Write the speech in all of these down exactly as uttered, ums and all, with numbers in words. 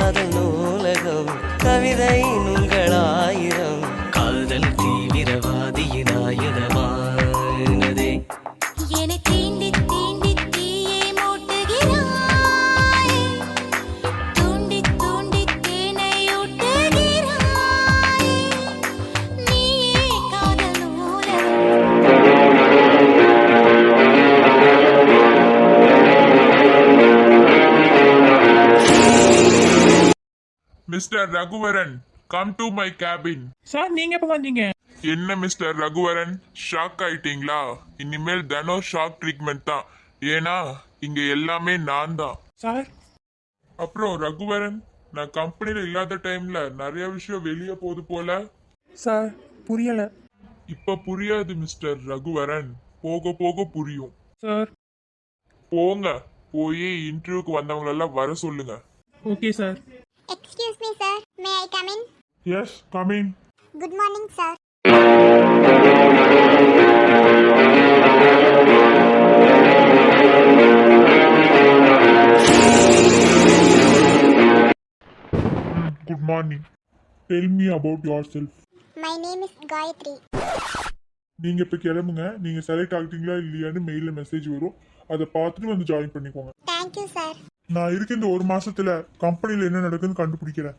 காதல் நூலகம் கவிதை நூல்களாயிரம் காதல் தீவிரவாதியின் ஆயுதமானதே என்னை தீண்டி தீண்டி தீயை மூட்டுகிறாய் தூண்டி தூண்டி தேனை ஊட்டுகிறாய் நீயே காதல் நூலகம் mister Raghuvaran, come to my cabin. Sir நீங்க எப்ப வந்தீங்க? என்ன மிஸ்டர் ரகுவரன், ஷாக் ஆயிட்டீங்களா? இனிமேல் தினம் ஷாக் ட்ரீட்மெண்ட் தான். ஏன்னா இங்க எல்லாமே நான் தான். சார் அப்புறம் ரகுவரன், நான் கம்பெனில இல்லாத டைம்ல நிறைய விஷயம் வெளியே போகுது போல. சார் புரியல. இப்ப புரியாது மிஸ்டர் ரகுவரன், போக போக புரியும். சார் போங்க, போய் இன்டர்வியூக்கு வந்தவங்களெல்லாம் வர சொல்லுங்க. Okay sir. Excuse me, sir. May I come in? Yes, coming. Good morning, sir. Good morning. Tell me about yourself. My name is Gayatri. நீங்க இப்ப கிளம்புங்க. நீங்க செலக்ட் ஆகிட்டீங்களா இல்லையான்னு மெயில மெசேஜ் வரும். அதை பார்த்துட்டு வந்து ஜாயின் பண்ணிக்கோங்க. Thank you, sir. நான் இருக்க இந்த ஒரு மாசத்துல கம்பெனில என்ன நடக்குதுன்னு கண்டுபிடிக்கிறேன்.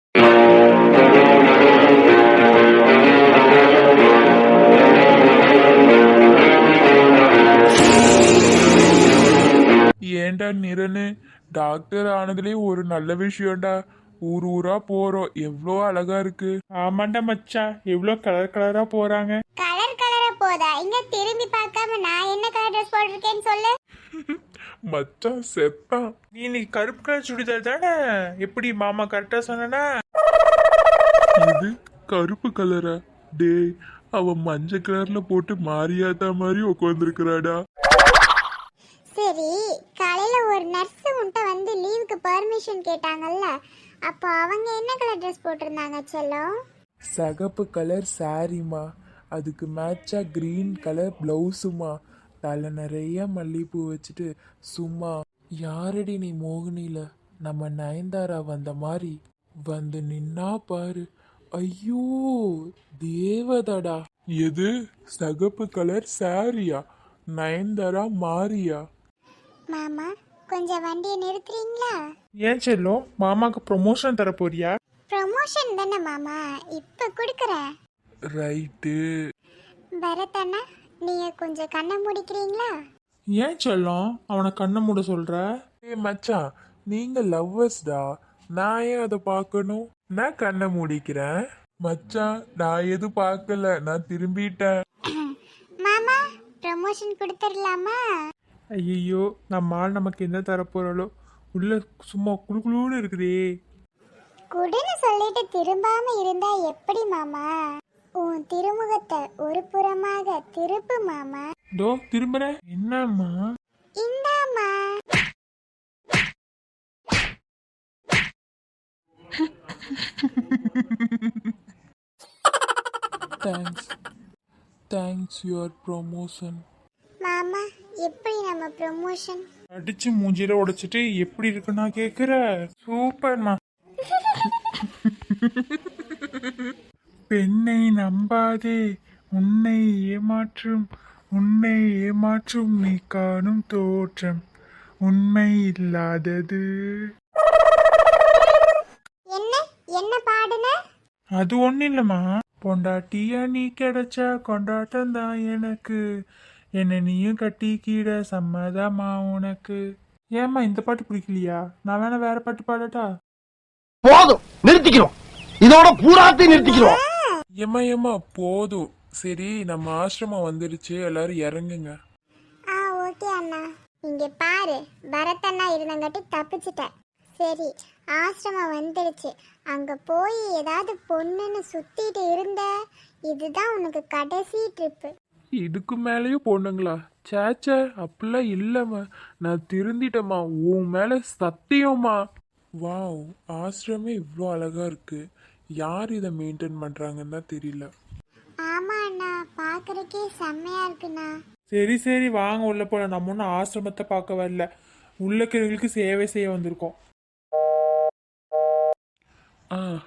ஏண்டா நிரனு, டாக்டர் ஆனதுலயே ஒரு நல்ல விஷயம்டா. ஊர் ஊரா போறோம், எவ்வளோ அழகா இருக்கு. ஆமாண்டா மச்சான், எவ்வளோ கலர் கலரா போறாங்க. கலர் கலரா போதா? இங்க திரும்பி பார்க்காம நான் என்ன கலர் ட்ரெஸ் போட்டிருக்கேன்னு சொல்லு. மச்சான் செத்தான். நீ இன்னைக்கு கருப்பு கலர் சுடிதார் தானே? எப்படி மாமா கரெக்டா சொன்னா? இது கருப்பு கலரா? டேய், அவ மஞ்சள் கலர்ல போட்டு மாரியாத்தா மாதிரி உட்காந்துருக்கிறாடா. சரி, காலையில ஒரு நர்ஸ் உன்கிட்ட வந்து லீவுக்கு பர்மிஷன் கேட்டாங்கல்ல, அப்போ அவங்க என்ன கலர் ட்ரெஸ் போட்டிருந்தாங்க செல்லம்? சகப்பு கலர் சாரிமா, அதுக்கு மேட்சா கிரீன் கலர் பிளவுஸுமா, தலை நிறைய மல்லிகைப்பூ வச்சுட்டு சும்மா யாரடி நீ மோகினியில நம்ம நயன்தாரா வந்த மாதிரி வந்து நின்னா பாரு. ஐயோ தேவதடா. எது சகப்பு கலர் சாரியா? நயன்தாரா மாரியா? மாமா கொஞ்சம் வண்டியை நிறுத்துறீங்களா? ஏன் செல்லம், மாமாக்கு ப்ரொமோஷன் தர போறியா? ப்ரமோஷன் தானே மாமா, இப்ப கொடுக்குறேன். ரைட்டு. பரத் அண்ணா, நீங்க கொஞ்சம் கண்ணை முடிக்கிறீங்களா? ஏன் செல்லம் அவனை கண்ணை மூட சொல்ற? ஏ மச்சான், நீங்க லவ்வர்ஸ்டா, நான் ஏன் அதை பார்க்கணும்? நான் கண்ணை மூடிக்கிறேன். மச்சான், நான் எதுவும் பார்க்கல, நான் திரும்பிட்டேன். மாமா ப்ரமோஷன் கொடுத்துடலாமா? ஐயோ, நம்ம ஆள் நமக்கு என்ன தர போறாளோ, உள்ள சும்மா குளுகுளுன்னு இருக்குதே. குடுன்னு சொல்லிட்டு திரும்பாம இருந்தா எப்படி மாமா? உன் திருமுகத்தை ஒரு புறமாக திருப்பு மாமா. தோ திரும்புறேன். என்னம்மா? இந்தாமா. Thanks thanks your promotion. மாமா எப்படி நம்ம ப்ரமோஷன்? அடிச்சு மூஞ்சில உடைச்சிட்டு எப்படி இருக்குன்னா கேக்குற? சூப்பர்மா. பெண்ணை நம்பாதே, உன்னை ஏமாற்றும் உன்னை ஏமாற்றும் நீ காணும் தோற்றம் உண்மை இல்லாதது. என்ன என்ன பாடுன? அது ஒண்ணு இல்லம்மா. பொண்டாட்டியா நீ கிடைச்சா கொண்டாட்டம் தான் எனக்கு, என்ன நீயும் கட்டிக்கிட சம்மதமா உனக்கு. ஏம்மா இந்த பாட்டு பிடிக்கலையா? நான் வேணா வேற பாட்டு பாடட்டா? போதும், நிறுத்திக்கிறோம். இதோட பூராத்தையும் நிறுத்திக்கிறோம். ஏமா ஏமா போதும். சரி, நம்ம ஆசிரமம் வந்துருச்சு, எல்லாரும் இறங்குங்க. ஆ ஓகே அண்ணா. இங்க பாரு, பரத் அண்ணா இருந்தங்காட்டி தப்பிச்சிட்டேன். சரி, ஆசிரமம் வந்துடுச்சு. அங்க போய் ஏதாவது பொண்ணுன்னு சுத்திட்டு இருந்த, இதுதான் உனக்கு கடைசி ட்ரிப்பு. இதுக்கு மேலேயும் பொண்ணுங்களா? சேச்சே, அப்படிலாம் இல்லம்மா, நான் திருந்திட்டம்மா, உன் மேல சத்தியம்மா. வாவ், ஆசிரமே இவ்வளோ அழகா இருக்கு. யார் இதை மெயின்டைன் பண்றாங்கன்னு தான் தெரியல. ஆமா அண்ணா, பாக்குறதுக்கே செம்மையா இருக்குண்ணா. சரி சரி வாங்க உள்ள போல. நம்ம ஒன்றும் ஆசிரமத்தை பார்க்க வரல, உள்ளக்கிறவங்களுக்கு சேவை செய்ய வந்திருக்கோம்.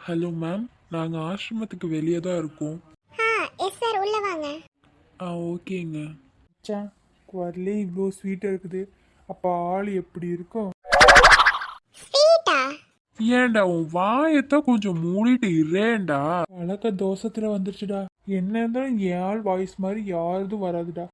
ஹலோ மேம், நாங்கள் ஆசிரமத்துக்கு வெளியே தான் இருக்கோம். ஆ எஸ் சார் உள்ள வாங்க. ஆ ஓகேங்க. மச்சான் குரலே இவ்வளோ ஸ்வீட்டாக இருக்குது, அப்போ ஆள் எப்படி இருக்கும்? ஸ்வீட்டா? ஏன்டா உன் வாயத்தான் கொஞ்சம் மூடிட்டு இரேண்டா. பழக்க தோசத்துல வந்துருச்சுடா. என்ன இருந்தாலும் என் ஆள் வாய்ஸ் மாதிரி யாருதும் வராதுடா.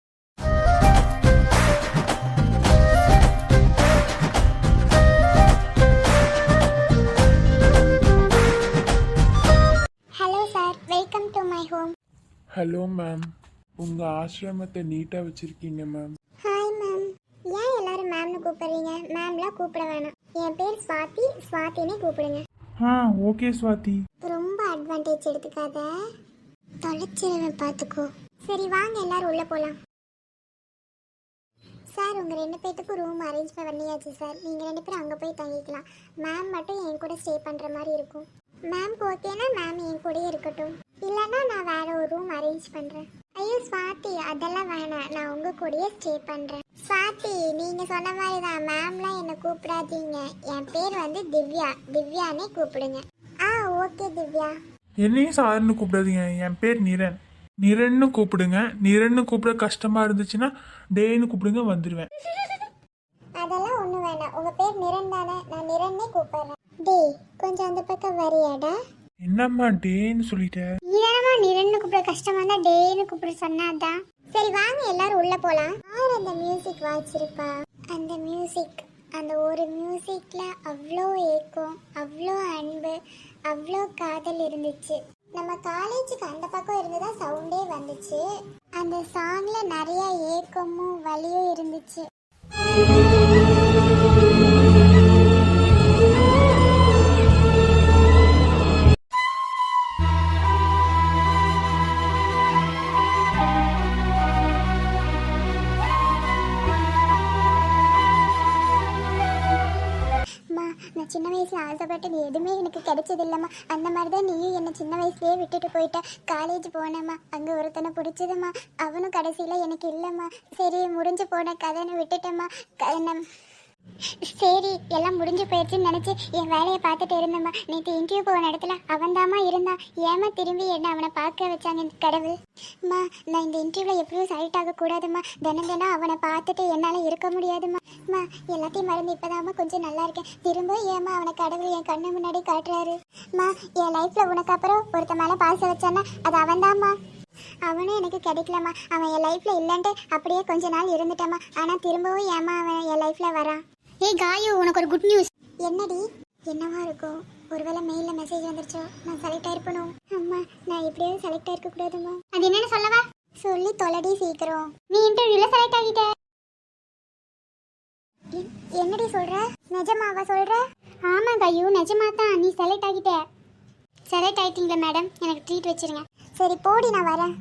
Hello sir, welcome to my home. Hello ma'am, உங்கள் ஆசிரமத்தை நீட்டாக வச்சுருக்கீங்க மேம். Hi ma'am. ஏன் எல்லாரும் மேம்னு கூப்பிடுறீங்க? மேம்லாம் கூப்பிட வேணாம். என் பேர் ஸ்வாதி, ஸ்வாதினே கூப்பிடுங்க. ஆ ஓகே ஸ்வாதி. ரொம்ப அட்வான்டேஜ் எடுத்துக்காத, தொலைச்சிருவேன் பார்த்துக்கோ. சரி வாங்க எல்லாரும் உள்ள போகலாம். சார் உங்கள் ரெண்டு பேர்த்துக்கும் ரூம் அரேஞ்ச் பண்ணியாச்சு சார். நீங்கள் ரெண்டு பேரும் அங்கே போய் தங்கிக்கலாம். மேம் மட்டும் என் கூட ஸ்டே பண்ணுற மாதிரி இருக்கும். மேம்க்கு ஓகேனா மேம் என் கூடயே இருக்கட்டும், இல்லைன்னா நான் வேற ஒரு ரூம் அரேஞ்ச் பண்ணுறேன். ஐயோ ஸ்வாதி, அதெல்லாம் வேணாம், நான் உங்கள் கூடயே ஸ்டே பண்ணுறேன். ஸ்வாதி, நீங்கள் சொன்ன மாதிரி தான், மேம்லாம் என்னை கூப்பிடாதீங்க. என் பேர் வந்து திவ்யா, திவ்யானே கூப்பிடுங்க. ஆ ஓகே திவ்யா. என்னையும் சார்னு கூப்பிடாதீங்க, என் பேர் நிரன். நிரன்னு கூப்பிடுங்க. நிரன்னு கூப்பிட கஷ்டமா இருந்துச்சுன்னா டேன்னு கூப்பிடுங்க, வந்துடுவேன். அதெல்லாம் ஒன்றும் வேணாம், உங்கள் பேர் நிரன் தானே, நான் நிரன்னே கூப்பிடுறேன். டேய் கொஞ்சம் அந்த பக்கம் வரியாடா. என்னம்மா டேன்னு சொல்லிட்டேன். நீதானமா நிரன்னு கூப்பிட கஷ்டமா இருந்தா டேன்னு கூப்பிட சொன்னாதான். சரி வாங்க எல்லாரும் உள்ள போலாம். யார் அந்த மியூசிக் வாச்சிருப்பா? அந்த மியூசிக், அந்த ஒரு மியூசிக்ல அவ்வளோ ஏக்கம், அவ்வளோ அன்பு, அவ்வளோ காதல் இருந்துச்சு. நம்ம காலேஜுக்கு அந்த பக்கம் இருந்துதான் சவுண்டே வந்துச்சு. அந்த சாங்ல நிறைய ஏக்கமும் வலியும் இருந்துச்சு. நான் சின்ன வயசுல ஆசைப்பட்டது எதுவுமே எனக்கு கிடைச்சது இல்லம்மா. அந்த மாதிரி தான் நீயும் என்னை சின்ன வயசுலயே விட்டுட்டு போயிட்ட. காலேஜ் போனேம்மா, அங்கே ஒருத்தனை பிடிச்சதுமா, அவனும் கடைசியில் எனக்கு இல்லைம்மா. சரி முடிஞ்சு போன கதைன்னு விட்டுட்டேம்மா. க- சரி எல்லாம் முடிஞ்சு போயிடுச்சுன்னு நினச்சி என் வேலையை பார்த்துட்டு இருந்தேம்மா. நேற்று இன்டர்வியூ போன இடத்துல அவன்தாம்மா இருந்தான். ஏமா திரும்பி என்ன அவனை பார்க்க வச்சாங்க கடவுள். அம்மா நான் இந்த இன்டர்வியூவில் எப்படியும் செலக்ட் ஆகக்கூடாதும்மா. தினம் தினம் அவனை பார்த்துட்டு என்னால் இருக்க முடியாதும்மா. அம்மா எல்லாத்தையும் மறந்து இப்போதாம்மா கொஞ்சம் நல்லா இருக்கேன். திரும்ப ஏமா அவனை கடவுள் என் கண்ணு முன்னாடி காட்டுறாரு. அம்மா என் லைஃப்பில் உனக்கு அப்புறம் ஒருத்த மேலே பாசம் வச்சானா அது அவன்தாம்மா. அவனும் எனக்கு கிடைக்கலம்மா. அவன் என் லைஃப்ல இல்லைன்ட்டு அப்படியே கொஞ்ச நாள் இருந்துட்டாம்மா. ஆனா திரும்பவும் ஏமா அவன் என் லைஃப்ல வரான். ஏய் காயு, உனக்கு ஒரு குட் நியூஸ். என்னடி? என்னவா இருக்கும்? ஒருவேளை மெயிலில் மெசேஜ் வந்துருச்சோ? நான் செலக்ட் ஆயிருப்பணும். அம்மா நான் எப்படியாவது செலக்ட் ஆயிருக்க கூடாதும்மா. அது என்னன்னு சொல்லவா? சொல்லி தொலைடி சீக்கிரம். நீ இன்டர்வியூல செலக்ட் ஆகிட்ட. என்னடி சொல்ற? நிஜமாவா சொல்ற? ஆமா காயு, நிஜமா தான், நீ செலக்ட் ஆகிட்ட. செலக்ட் ஆயிட்டீங்களா மேடம்? எனக்கு ட்ரீட் வச்சிருங்க. சரி போடி, நான் வரேன்.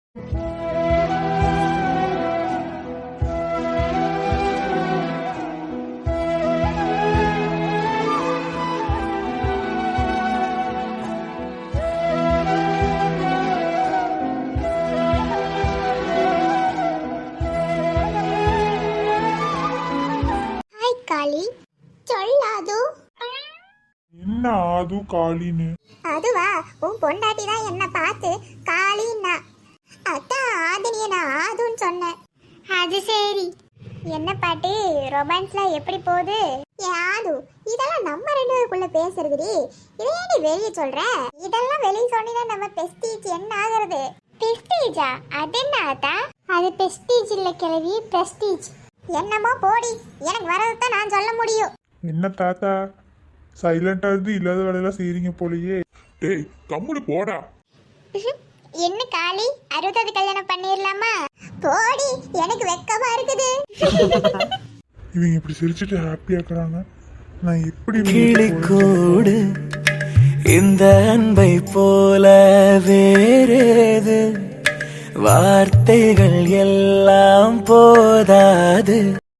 ஹாய் காளி. சொல்லாது. என்ன ஆது காளின்னு? அதுவா, உன் பொண்டாட்டி தான் என்ன பார்த்து காளின்னா. அதான் ஆதினிய நான் ஆதுன்னு சொன்னேன். அது சரி. என்ன பாட்டு ரொமான்ஸ்ல எப்படி போகுது? ஏ ஆது, இதெல்லாம் நம்ம ரெண்டு பேருக்குள்ள பேசுறதுடி. இதை ஏன் நீ வெளியே சொல்ற? இதெல்லாம் வெளியே சொன்னா நம்ம பெஸ்டீஜ் என்ன ஆகுறது? பெஸ்டீஜா? அது என்ன ஆத்தா? அது பெஸ்டீஜ் இல்ல கிழவி, பிரஸ்டீஜ். என்னமோ போடி, எனக்கு வரதான் நான் சொல்ல முடியும். என்ன தாத்தா சைலண்டா இருந்து இல்லாத வேலையெல்லாம் செய்றீங்க போலயே. டேய் கம்முனு போடா. என்ன காளி, அறுபதாவது கல்யாணம் பண்ணிடலாமா? போடி, எனக்கு வெக்கமா இருக்குது. இவங்க இப்படி சிரிச்சுட்டு ஹாப்பியா இருக்கிறாங்க, நான் எப்படி கிளிக்கூடு இந்த அன்பை போல வேறேது, வார்த்தைகள் எல்லாம் போதாது.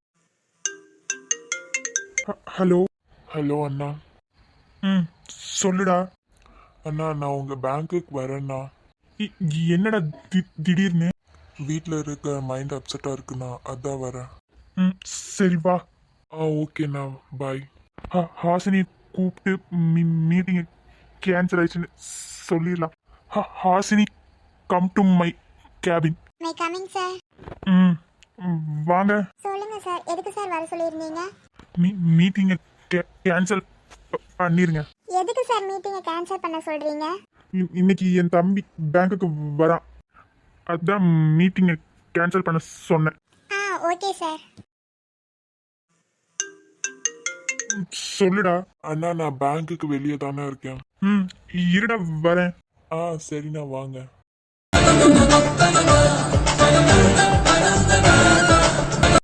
ஹலோ. ஹலோ அண்ணா. ம் சொல்லுடா. அண்ணா நான் உங்க பேங்க்குக்கு வரேண்ணா. இ- என்னடா தி- திடீர்னு? வீட்டில் இருக்க மைண்ட் அப்செட்டாக இருக்குண்ணா, அதான் வரேன். ம் சரி வா. ஆ ஓகேண்ணா, பாய். ஹா- ஹாசினி கூப்பிட்டு மீட்டிங் கேன்சல் ஆயிடுச்சுன்னு சொல்லிடலாம். ஹா- Hasini come to my cabin. May I coming sir. ம் ம், வாங்க. சொல்லுங்க சார், எதுக்கு சார் வர சொல்லியிருந்தீங்க? மீ மீட்டிங்கை கேன்சல் பண்ணிருங்க. எதுக்கு சார் மீட்டிங்கை கேன்சல் பண்ண சொல்றீங்க? இ- இன்னைக்கு என் தம்பி பேங்க்குக்கு வரான், அதான் மீட்டிங்கை கேன்சல் பண்ண சொன்னேன். ஆ ஓகே சார். சொல்லுடா. அண்ணா நான் பேங்க்குக்கு வெளியே தானே இருக்கேன். ம் இருடா வரேன். ஆ சரிண்ணா வாங்க.